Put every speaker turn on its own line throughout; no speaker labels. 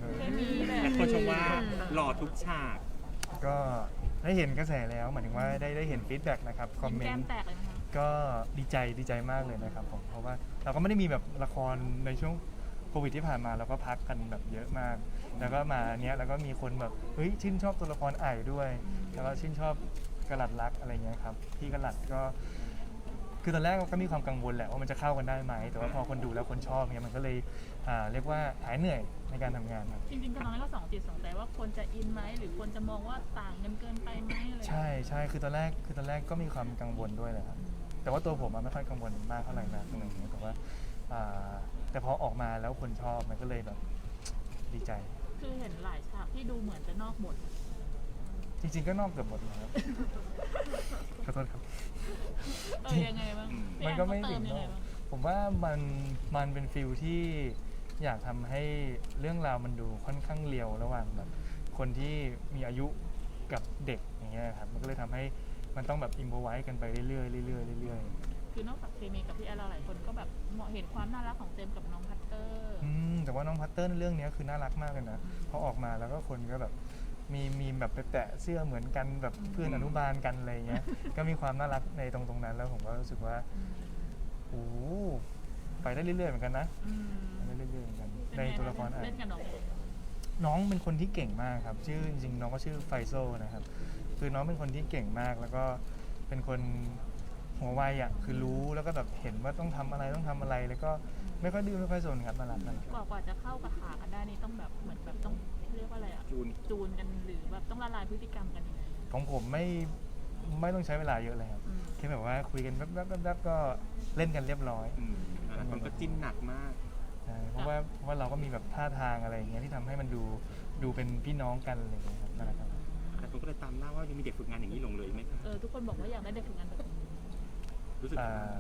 เคมีแบ
แต่
บ
คนชมว่าหล่อทุกฉาก
ก็ได้เห็นกระแสแล้วหมายถึงว่าได้เห็นฟีดแบ็กนะครับคอมเม
แก้
น
ม
ต์
แตกเลยนะคะ
ก็ดีใจมากเลยนะครับผมเพราะว่าเราก็ไม่ได้มีแบบละครในช่วงโควิดที่ผ่านมาเราก็พักกันแบบเยอะมาก แล้วก็มาเนี้ยแล้วก็มีคนแบบเฮ้ยชื่นชอบตัวละครไอ่ด้วย แล้วก็ชื่นชอบกระหลัดรักอะไรเงี้ยครับพี่กระหลัดก็คือตอนแรกก็มีความกังวลแหละว่ามันจะเข้ากันได้ไหมแต่ว่าพอคนดูแล้วคนชอบเนี่ยมันก็เลยเรียกว่าหายเหนื่อยในการทำงานครับ
จริงๆกับน้องนี่ก็สองจิตสองใจว่าควรจะอินไหมหรือควรจะมองว่าต่างกันเกินไปไหมอะไร
ใช่คือตอนแรกก็มีความกังวลด้วยเลยครับแต่ว่าตัวผมไม่ค่อยกังวลมากเท่าไหร่นะตรงนี้แต่ว่าแต่พอออกมาแล้วคนชอบมันก็เลยแบบดีใจ
คือเห็นหลายฉากที่ดูเหมือนจะนอกบท
จริงๆก็นอกเกือบหมดเลยครับขอโทษครับ
ยังไงบ้าง
มันก็ไม่
พี่
ถึ
แอน
ง
เขาเติมยัง
น
ไง
อก
บ้าง
ผมว่ามันเป็นฟิลที่อยากทำให้เรื่องราวมันดูค่อนข้างเรียวระหว่างแบบคนที่มีอายุกับเด็กอย่างเงี้ยครับมันก็เลยทำให้มันต้องแบบอิมพอไว้กันไปเรื่อยๆเรื่อยๆเรื่อยๆ
คือนอกจากเคมีกับพี่แอนเราหลายคนก็แบบเห็นความน่ารักของเจมส์กับน้องพัตเตอร์
แต่ว่าน้องพัตเตอร์ในเรื่องนี้คือน่ารักมากเลยนะพอออกมาแล้วก็คนก็แบบมีแบบไปแตะเสื้อเหมือนกันแบบเพื่อนอนุบาลกันอะไรเงี้ย ก็มีความน่ารักในตรงนั้นแล้วผมก็รู้สึกว่าโอ้ไปได้เรื่อยๆเหมือนกันนะไปได้เรื่อยๆเหมือนกันในตัวละครอ่ะ
เล่นกับน้อง
น้องเป็นคนที่เก่งมากครับชื่อจริงๆน้องก็ชื่อไฟโซนะครับคือน้องเป็นคนที่เก่งมากแล้วก็เป็นคนหัวไวอ่ะคือรู้แล้วก็แบบเห็นว่าต้องทำอะไรแล้วก็ไม่ค่อยดื้อไม่ค่อยสนครับน่ารัก
กว่าจะเข้ากับขากันได้นี่ต้องแบบเหมือนแบบต้องเรียกว่าอะไรอ่ะ จูนกันหรือแบบต้องละลายพฤติกรรมกันยังไง
ของผมไม่ต้องใช้เวลาเยอะเลยครับแค่แบบว่าคุยกันแป๊บๆก็เล่นกันเรียบร้อย
หลายคนก็จิ้นหนักมาก
ใช่เพราะว่าเราก็มีแบบท่าทางอะไรอย่างเงี้ยที่ทำให้มันดูเป็นพี่น้องกันอะไรอย่างเงี้ยครับน่ารักครับ
แต่ผมก็เลยตามหน้าว่ายังมีเด็กฝึกงานอย่างนี้ลงเลยไหมคะ
ทุกคนบอกว่าอยากได้เด็กฝึกงานแบบนี้
รู้สึก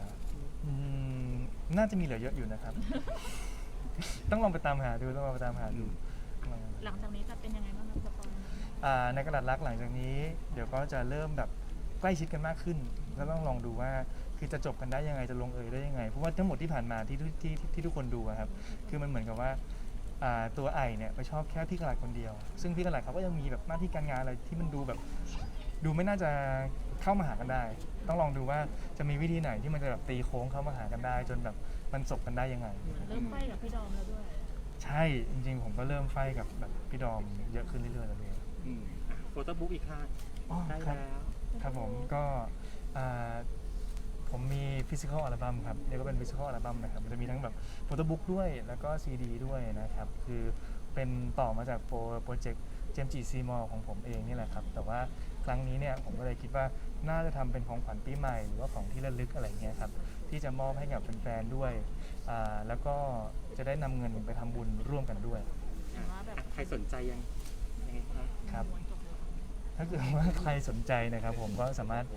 น่าจะมีเหลือเยอะอยู่นะครับ ต้องลองไปตามหาดู
หลังจากนี้จะเป็นยังไงบ้างครับสปอยล์
ในกระดาษรักหลังจากนี้ เดี๋ยวก็จะเริ่มแบบใกล้ชิดกันมากขึ้นแล้วต้องลองดูว่าคือจะจบกันได้ยังไงจะลงเอยได้ยังไงเพราะว่าทั้งหมดที่ผ่านมาที่ทุกคนดูอะครับคือมันเหมือนกับว่าตัวไอเนี่ยไปชอบแค่พี่กระดาษคนเดียวซึ่งพี่กระดาษเขาก็ยังมีแบบหน้าที่การงานอะไรที่มันดูแบบดูไม่น่าจะเข้ามาหากันได้ ต้องลองดูว่าจะมีวิธีไหนที่มันจะแบบตีโค้งเข้ามาหากันได้ จนแบบมันจบกันได้ยังไง
เริ่มไฟกับพี่ดอมแล้วด้วย
ใช่จริงๆผมก็เริ่มไฟกับแบบพี่ดอมเยอะขึ้นเรื่อยๆแล้วเลย
โฟโต้บุ๊กอีกค่ะได้
ครับ
แล้ว
ครับผมก็ผมมีฟิสิกอลอัลบั้มครับเรียกว่าเป็นฟิสิกอลอัลบั้มนะครับมันจะมีทั้งแบบโฟโต้บุ๊กด้วยแล้วก็ซีดีด้วยนะครับคือเป็นต่อมาจากโปรเจกต์เจมจีซีมอลของผมเองนี่แหละครับแต่ว่าครั้งนี้เนี่ยผมก็เลยคิดว่าน่าจะทำเป็นของขวัญปีใหม่หรือว่าของที่ระลึกอะไรเงี้ยครับที่จะมอบให้กับแฟนๆด้วยแล้วก็จะได้นำเงินไปทำบุญร่วมกันด้วย
ใครสนใจยังไงครับ
ครับถ้าเกิดว่าใครสนใจนะครับผมก็สามารถ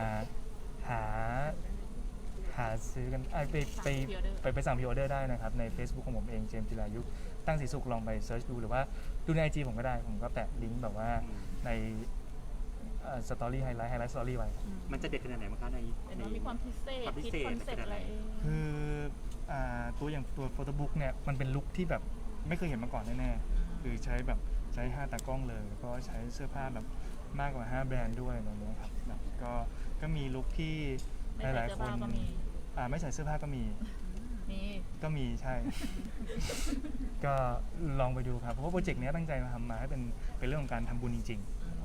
หาซื้อกันไปสั่งพรีออเดอร์ได้นะครับใน Facebook ของผมเองเจมส์จิรายุตั้งสีสุขลองไปเซิร์ชดูหรือว่าดูใน IG ผมก็ได้ผมก็แปะลิงก์แบบว่าในสตอรี่ไฮไลท์สตอรี่ไว้
มันจะเด็ดขนาดไหนมั้งคะใน
มีความพิเศษคิดคอนเซ็ปต์อะไรเอง
คือตัวโฟโต้บุ๊กเนี่ยมันเป็นลุคที่แบบไม่เคยเห็นมาก่อนแน่ๆคือใช้5 ตากล้องเลยแล้วก็ใช้เสื้อผ้าแบบมากกว่า5 แบรนด์ด้วยอะไรเงี้ยครับแบบก็มีลุคที่หลายๆคนไม่ใส่เสื้อผ้าก็มีใช่ ก็ลองไปดูครับเพราะว่าโปรเจกต์นี้ตั้งใจมาทำมาให้เป็นเรื่องของการทำบุญจริง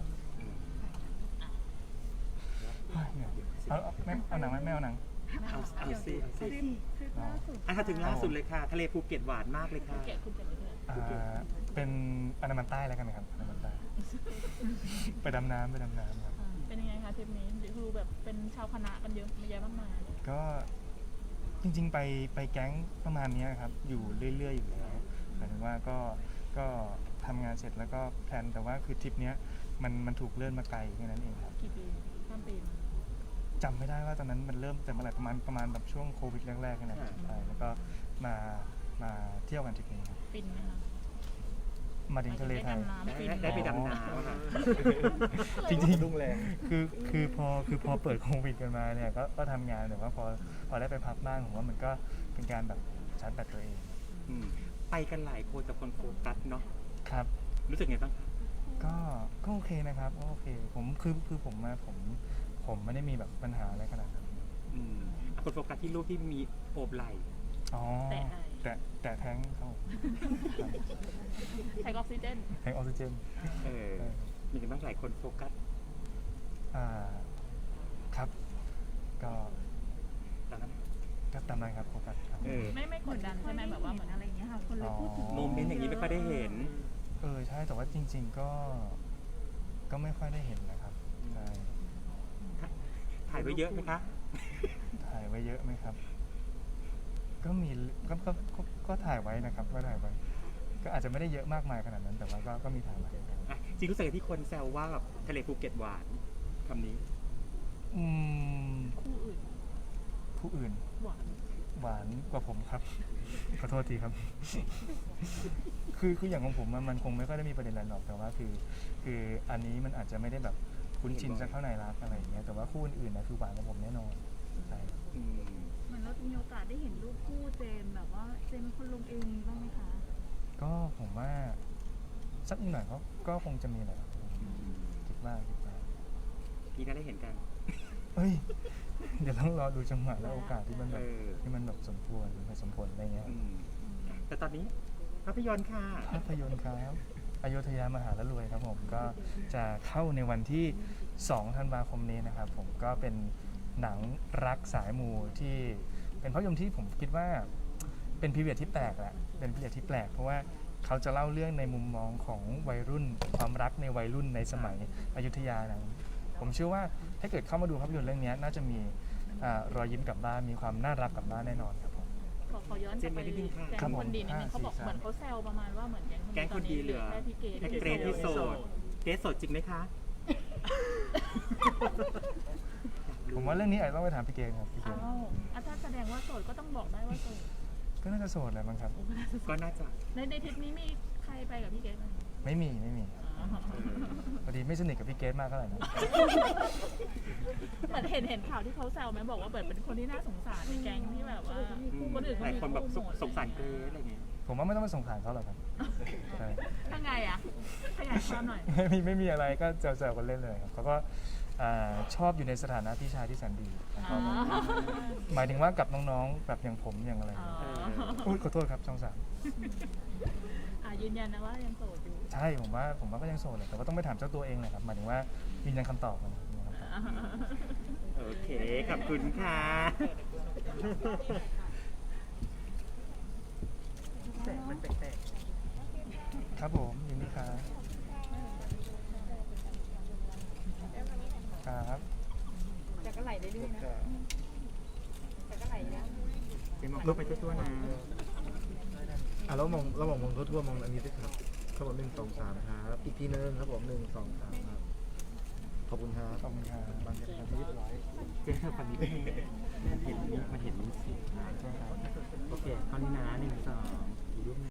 ๆเอาหนังไหมไม่เอาหนัง
เอาสิถ้าถึงล่าสุดเลยค่ะทะเลภูเก็ตหวานมากเลยค่ะ
เกลียดคุณเกลียดเลย
เป็นอันดามันใต้แล้วกันครับอันดามันใต้ ไปดำน้ำครับ
เป็นยังไงคะทริปนี้ดูแบบเป็นชาวคณะกันเยอะแยะมากมาย
ก็จริงๆไปแก๊งประมาณนี้ครับอยู่เรื่อยๆอยู่แล้วหมายถึงว่าก็ทำงานเสร็จแล้วก็แพลนแต่ว่าคือทริปนี้มันถูกเลื่อนมาไกลแค่นั้นเองครับ
กี่ปีข้ามปี
จำไม่ได้ว่าตอนนั้นมันเริ่มแต่เมื่อไหร่ประมาณแบบช่วงโควิดแรกๆนะครับใช่แล้วก็มาเที่ยวกันทริปนี้ครับ
ฟินไหมคะ
มาถึงทะเลไทย
ได้ไปดำน้ำค่ะ
จริงๆรุ่งแรงคือพอเปิดโควิดกันมาเนี่ยก็ทำงานแต่ว่าพอได้ไปพักบ้างผมว่ามันก็เป็นการแบบชาร์จแบตตัวเอง
ไปไปกันหลายคนแต่คนโฟกัสเนาะ
ครับ
รู้สึกไงบ้างคะ
ก็โอเคนะครับก็โอเคผมคือผมไม่ได้มีแบบปัญหาอะไรขนาดนั้น
คนโฟกัสที่รูปที่มีโอบไหล่
อ๋อแต่แท้งเขา
ใช้ออกซิเจน
แท้งออกซิเจน
มีกันบ้างหลายคนโฟกัส
ครับก็
ตอนนั้น
ก็ตามนั้นครับโฟกัสครับ
ไม่กดดันใช่ไหมแบบว่าเหมือน
อะไรอย่างเงี้ยค่ะคนเลยพูดถึง
โมเมนต์อย่างนี้ไม่ค่อยได้เห็น
ใช่แต่ว่าจริง ๆก็ไม่ค่อยได้เห็นนะครับใช่
ถ่ายไว้เยอะไหมคะ
ถ่ายไว้เยอะไหมครับ ก็มีก็ถ่ายไว้นะครับก็ถ่ายไว้ก็อาจจะไม่ได้เยอะมากมายขนาดนั้น แต่ว่าก็มีถ่ายไว้
จริงรู้สึกที่คนแซวว่าแบบทะเลภูเก็ตหวานคำนี้
คู่อื่น
ผู้อื่น
หวาน
หวานกว่าผมครับ ขอโทษทีครับ คืออย่างของผมมันคงไม่ค่อยได้มีประเด็นอะไรหรอกแต่ว่าคืออันนี้มันอาจจะไม่ได้แบบคุ้นชินสักเท่าไหร่รักอะไรอย่างเงี้ยแต่ว่าคู่อื่นๆนะคือหวานกว่าผมแน่นอนใช่
เหมือนเราจะมีโอกาสได้เห็นรูปคู่เจมส์แบบว่าเจมส์เป็นคนลงเองบ้างไหมคะ
ก็ผมว่าสักหน่อยก็คงจะมีแหละครับคิดว่า
พี่น่าได้เห็นกัน
เฮ้ยเดี๋ยวต้องรอดูจังหวะและโอกาสที่มันแบบสมควรสมผลอะไรเงี้ย
แต่ตอนนี้ภาพยนตร์ค่ะ
ภาพยนตร์ครับอโยธยามหาละรวยครับผมก็จะเข้าในวันที่ 2 ธันวาคมนี้นะครับผมก็เป็นหนังรักสายมูที่เป็นภาพยนตร์ที่ผมคิดว่าเป็นพีเรียดที่แปลกแหละเป็นพีเรียดที่แปลกเพราะว่าเขาจะเล่าเรื่องในมุมมองของวัยรุ่นความรักในวัยรุ่นในสมัยอยุธยานะผมเชื่อว่าถ้าเกิดเข้ามาดูภาพยนตร์เรื่องนี้น่าจะมีรอยยิ้มกลับบ้านมีความน่ารักกลับบ้านแน่นอนครับผม
ขอย้อนกลับไปแก๊งคนดีนิดนึงเขาบอกเหมือนเขาแซวประมาณว่าเหมือนแก๊งคนดีเหลือแค่พี่เกรท
แค่เกรทที่โสดเกรทโสดจริงไหมคะ
ผมว่าเรื่องนี้อาจจะต้องไปถามพี่เกณฑ์ครับพี่เกณฑ์
ถ้าแสดงว่าโสดก็ต้องบอกได้ว่าโสด
ก็น่าจะโสดแหละมั้งครับ
ก็น่าจะ
ในทริปนี้มีใครไปกับพี่เกรทไหม
ไม่มีพอดีไม่สนิทกับพี่เกณฑ์มากเท่าไหร่นะ
เหมือนเห็นข่าวที่เขาแซวไหมบอกว่าเปิดเป็นคนที่น่าสงสารในแก๊งที่แบบว่าคนอื่น
ห
เขา
ลาย
มี
คนแบบ
คู่หมด
สงสารเกรทอะไรเงี้ย
ผมว่าไม่ต้องไปสงสารเขาหรอกครับใช่
ถ้าไงอ่ะขยายความหน่อย
ไม่มีอะไรก็แซวๆกันเล่นเลยครับเขาก็ชอบอยู่ในสถานะพี่ชายที่แสนดีนะครับหมายถึงว่ากับน้องๆแบบอย่างผมอย่างอะไรอุ๊ยขอโทษครับช่อง 3
ยืนยันนะว่ายังโสดอยู่
ใช่ผมว่าก็ยังโสดเลยแต่ว่าต้องไปถามเจ้าตัวเองแหละครับหมายถึงว่ายืนยันคำตอบนะยืนยันคำตอบ
โอเคขอบคุณค่ะแสงมันแปลก
ครับผมยินดีครับครับ
แต่ก็ไหลเรื่อยๆนะแต่ก็ไหลนะ
ๆเจมส์ก็ไปทั่วๆนะ
เรามองทั่วๆมองอันนี้สิครับครับผม1 2 3ครับอีกทีนึงครับผม1 2 3ครับขอบคุณครับ
ขอบคุณครับ
บางอย่างเรียบร้อย
เจมส์ฝั่งนี้มันเห็นสีโอเคตอนนี้นะ1 2